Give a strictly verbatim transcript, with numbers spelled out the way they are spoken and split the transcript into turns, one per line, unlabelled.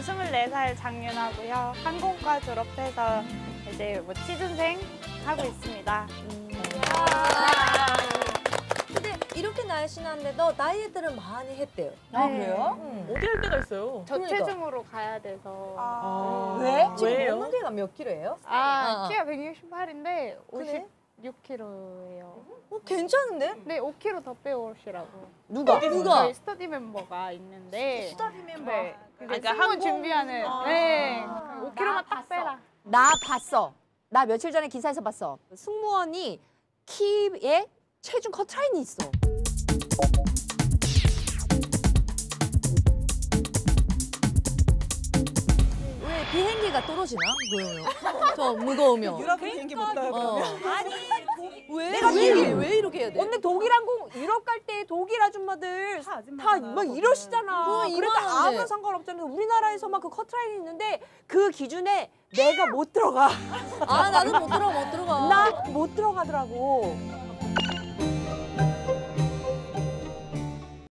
스물네 살 장윤하고요. 항공과 졸업해서 이제 뭐 취준생 하고 있습니다.
음. 근데 이렇게 날씬한데도 다이어트를 많이 했대요.
아,
네.
그래요?
음.
어디 할 때가 있어요?
저체중으로 가야 돼서.
아,
음.
왜?
지금
왜요?
몸무게가 몇 킬로예요?
아,
어.
키가 백육십팔인데
그래?
오십육 킬로예요.
어, 괜찮은데?
네, 오 킬로 더 빼오시라고.
누가?
누가?
저희 스터디 멤버가 있는데.
스터디 멤버.
네.
아,
이제
그러니까
승무원
항공-
준비하는.
아.
네. 오 킬로만
나
딱 빼라.
나 봤어. 나 며칠 전에 기사에서 봤어. 승무원이 키에 체중 커트라인이 있어.
왜 비행기가 떨어지나? 뭐예요? 저 무거우면.
유럽 비행기 못 타요,
어.
아니,
왜?
내가
왜,
얘기해.
왜 이렇게 해야 돼?
언니 독일 항공 유럽 갈 때 독일 아줌마들 다 막 이러시잖아.
그거
그러니까
이만한데.
아무런 상관없잖아. 우리나라에서만 그 커트라인이 있는데 그 기준에 내가 못 들어가.
아, 나는 못 들어가, 못 들어가.
나 못 들어가더라고.